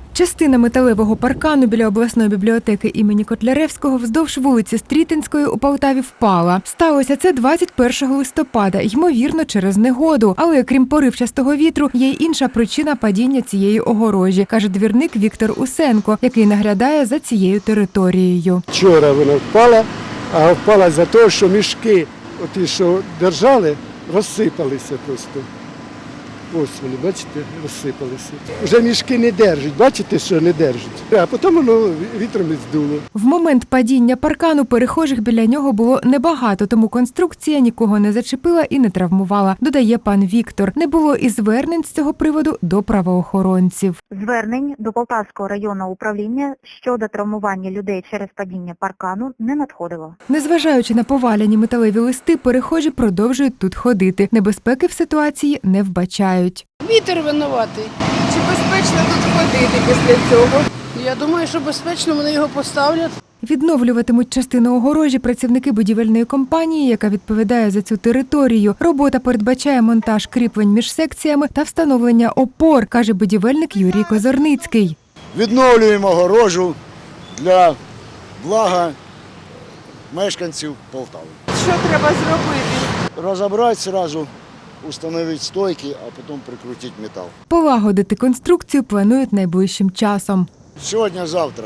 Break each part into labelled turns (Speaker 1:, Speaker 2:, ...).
Speaker 1: Частина металевого паркану біля обласної бібліотеки імені Котляревського вздовж вулиці Стрітинської у Полтаві впала. Сталося це 21 листопада, ймовірно, через негоду. Але крім поривчастого вітру, є й інша причина падіння цієї огорожі, каже двірник Віктор Усенко, який наглядає за цією територією.
Speaker 2: Вчора вона впала, а впала за те, що мішки, оті, що держали, розсипалися просто. Ось вони, бачите, розсипалися. Вже мішки не держать, бачите, що не держать. А потім воно вітром і здуло.
Speaker 1: В момент падіння паркану перехожих біля нього було небагато, тому конструкція нікого не зачепила і не травмувала, додає пан Віктор. Не було і звернень з цього приводу до правоохоронців.
Speaker 3: Звернень до Полтавського районного управління щодо травмування людей через падіння паркану не надходило.
Speaker 1: Незважаючи на поваляні металеві листи, перехожі продовжують тут ходити. Небезпеки в ситуації не вбачають.
Speaker 4: Вітер винуватий.
Speaker 5: Чи безпечно тут ходити після цього?
Speaker 4: Я думаю, що безпечно вони його поставлять.
Speaker 1: Відновлюватимуть частину огорожі працівники будівельної компанії, яка відповідає за цю територію. Робота передбачає монтаж кріплень між секціями та встановлення опор, каже будівельник Юрій Козорницький.
Speaker 6: Відновлюємо огорожу для блага мешканців Полтави.
Speaker 5: Що треба зробити?
Speaker 6: Розібрати одразу, встановити стойки, а потім прикрутити метал.
Speaker 1: Полагодити конструкцію планують найближчим часом.
Speaker 6: Сьогодні-завтра.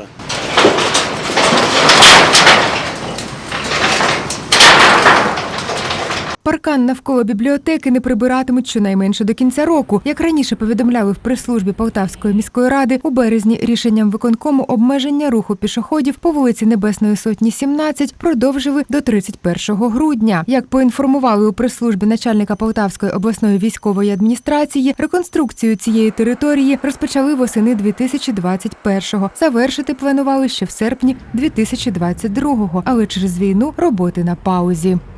Speaker 1: Паркан навколо бібліотеки не прибиратимуть щонайменше до кінця року. Як раніше повідомляли в прес-службі Полтавської міської ради, у березні рішенням виконкому обмеження руху пішоходів по вулиці Небесної Сотні, 17 продовжили до 31 грудня. Як поінформували у прес-службі начальника Полтавської обласної військової адміністрації, реконструкцію цієї території розпочали восени 2021-го. Завершити планували ще в серпні 2022-го, але через війну роботи на паузі.